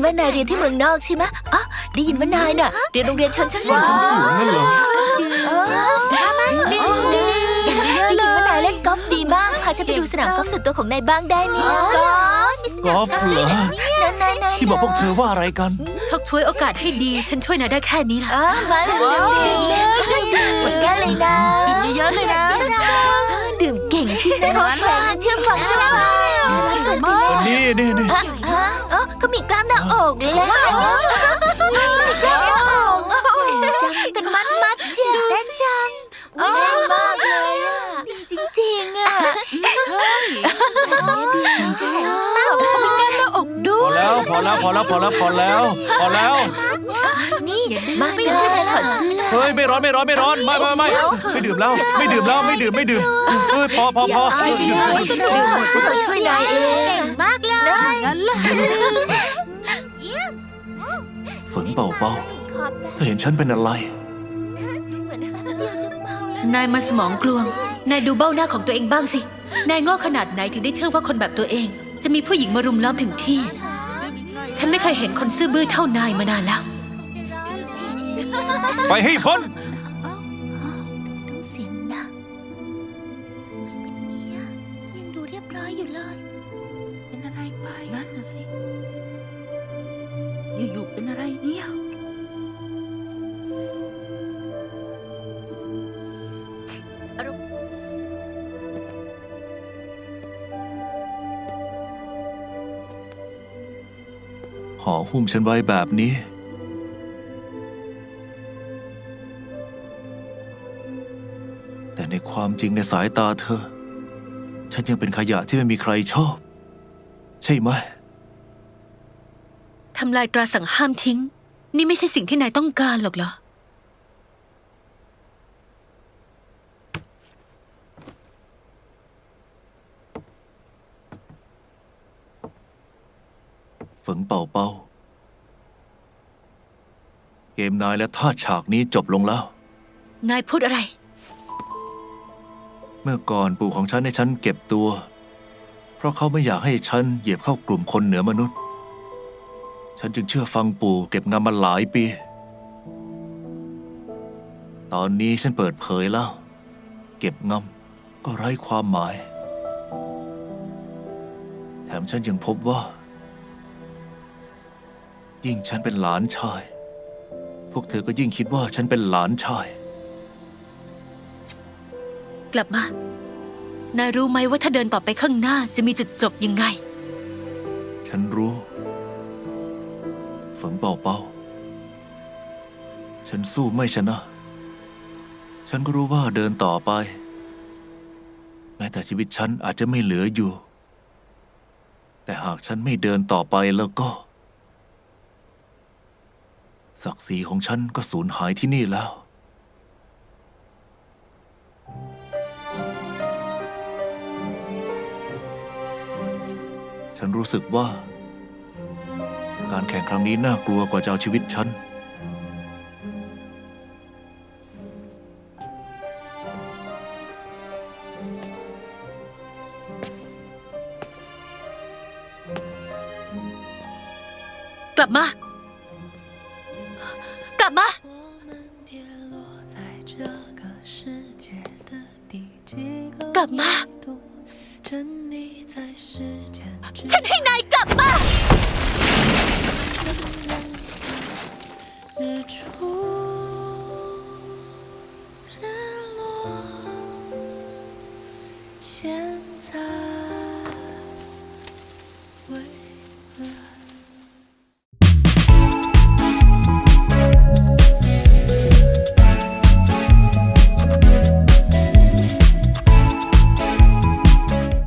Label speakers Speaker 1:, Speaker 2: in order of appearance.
Speaker 1: ว่านายเรียนที่เมืองนอกใช่ไหมอ๋อได้ยินว่านายน่ะเรียนโรงเรียนชนชั้นสูง
Speaker 2: สูงนั่นเหรอ
Speaker 1: ได้ยินว่านายเล่นกอล์ฟดีมากพาฉันไปดูสนามกอล์ฟส่วนตัวของนายบ้างได้ไหมนะ
Speaker 2: กอล์ฟเหรอ
Speaker 1: นาย
Speaker 2: ที่บอกพวกเธอว่าอะไรกัน
Speaker 3: ชกช่วยโอกาสให้ดีฉันช่วยนายได้แค่นี้ล่ะ
Speaker 1: มาเลยหมดแก้วเลยนะ
Speaker 4: เยอะเลยนะ
Speaker 1: ดื่มเก่งจริงนะน้องแข็งเชื่อฟัง
Speaker 2: นี่
Speaker 1: ก็มีกล้ามหน้าอกแล้วมีกล้ามหน้าอกเป็นมัดเชียวเต้นจังแน่นมากเลยอ่ะจริงๆอ่ะดีใช่
Speaker 2: พอแล้ว
Speaker 1: นี่มาจะช่วยนายถอดเสื้อ
Speaker 2: เฮ้ยไม่ร้อนไม่ดื่มแล้วไม่ดื่มเฮ้ยพอ
Speaker 1: ช่วยนายเองมากเลยงั้นเลย
Speaker 2: ฝนเบาเธอเห็นฉันเป็นอะไร
Speaker 3: นายมันสมองกลวงนายดูเบ้าหน้าของตัวเองบ้างสินายโง่ขนาดไหนถึงได้เชื่อว่าคนแบบตัวเองจะมีผู้หญิงมารุมล้อมถึงที่ฉันไม่เคยเห็นคนซื่อบื้อเท่านายมานานแล้ว
Speaker 2: ไปให้พ้น
Speaker 1: ต้องเสียงดังเป็นเนี้ยยังดูเรียบร้อยอยู่เลย
Speaker 4: เป็นอะไรไปนั่นน่ะสิอยู่ๆเป็นอะไรเนี่ย
Speaker 2: ห่อหุ้มฉันไว้แบบนี้แต่ในความจริงในสายตาเธอฉันยังเป็นขยะที่ไม่มีใครชอบใช่ไหม
Speaker 3: ทำลายตราสั่งห้ามทิ้งนี่ไม่ใช่สิ่งที่นายต้องการหรอกเหรอ
Speaker 2: ฝนเป่าเกมนายและท่าฉากนี้จบลงแล้ว
Speaker 3: นายพูดอะไร
Speaker 2: เมื่อก่อนปู่ของฉันให้ฉันเก็บตัวเพราะเขาไม่อยากให้ฉันเหยียบเข้ากลุ่มคนเหนือมนุษย์ฉันจึงเชื่อฟังปู่เก็บงำมาหลายปีตอนนี้ฉันเปิดเผยแล้วเก็บงำก็ไร้ความหมายแถมฉันยังพบว่ายิ่งฉันเป็นหลานชายพวกเธอก็ยิ่งคิดว่าฉันเป็นหลานชาย
Speaker 3: กลับมา นายรู้ไหมว่าถ้าเดินต่อไปข้างหน้าจะมีจุดจบยังไง
Speaker 2: ฉันรู้ฝนเป่าฉันสู้ไม่ชนะ ฉันก็รู้ว่าเดินต่อไปแม้แต่ชีวิตฉันอาจจะไม่เหลืออยู่แต่หากฉันไม่เดินต่อไปแล้วก็ศักดิ์ศรีของฉันก็สูญหายที่นี่แล้วฉันรู้สึกว่าการแข่งครั้งนี้น่ากลัวกว่าจะเอาชีวิตฉัน
Speaker 3: กลับมา กลับมา กลับมา ฉันให้นายกลับมา
Speaker 5: 下